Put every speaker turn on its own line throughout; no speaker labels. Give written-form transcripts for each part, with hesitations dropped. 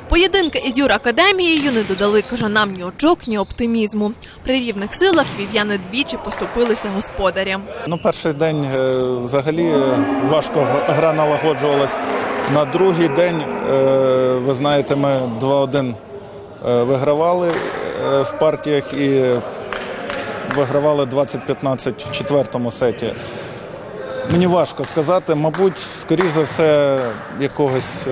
Поєдинки із Юракадемією не додали кажанам ні очок, ні оптимізму. При рівних силах львів'яни двічі поступилися господарям.
Перший день взагалі важко гра налагоджувалась. На другий день, ви знаєте, ми 2-1 вигравали в партіях і вигравали 20-15 в четвертому сеті. Мені важко сказати, мабуть, скоріш за все, якогось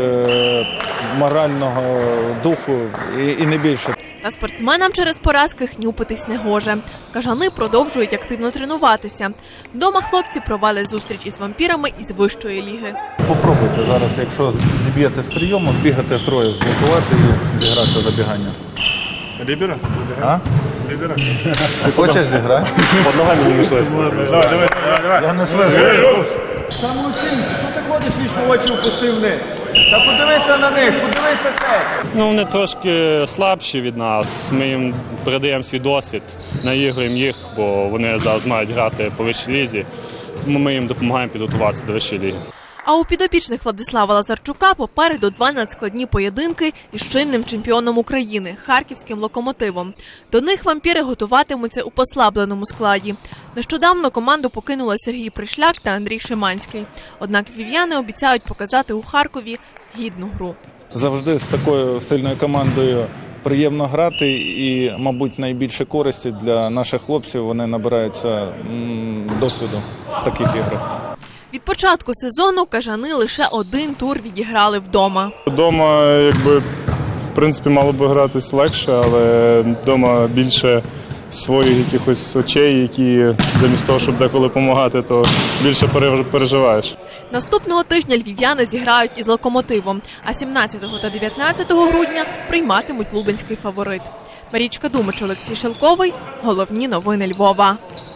морального духу і не більше.
Та спортсменам через поразки хнюпитись не гоже. Кажани продовжують активно тренуватися. Вдома хлопці провели зустріч із вампірами із вищої ліги.
Попробуйте зараз, якщо зіб'єте з прийому, збігати втроє, зблокувати і зіграти забігання.
Лібера?
А?
Лібера.
Ти хочеш зіграти?
Под ногами не мішайся. Давай.
Я не слежу.
Самооцінку, що ти ходиш вічно очі опустив вниз? Та подивися на них, подивися це.
Вони трошки слабші від нас, ми їм передаємо свій досвід, наігруємо їх, бо вони зараз мають грати по вищій лізі, тому ми їм допомагаємо підготуватися до вищої ліги.
А у підопічних Владислава Лазарчука попереду два надскладні поєдинки із чинним чемпіоном України – харківським «Локомотивом». До них вампіри готуватимуться у послабленому складі. Нещодавно команду покинули Сергій Пришляк та Андрій Шиманський. Однак львів'яни обіцяють показати у Харкові гідну гру.
Завжди з такою сильною командою приємно грати і, мабуть, найбільше користі для наших хлопців вони набираються досвіду в таких іграх.
Від початку сезону кажани лише один тур відіграли вдома.
Дома, в принципі, мало би гратись легше, але вдома більше своїх якихось очей, які замість того, щоб деколи допомагати, то більше переживаєш.
Наступного тижня львів'яни зіграють із «Локомотивом», а 17 та 19 грудня прийматимуть лубенський фаворит. Марічка Думич, Олексій Шелковий. Головні новини Львова.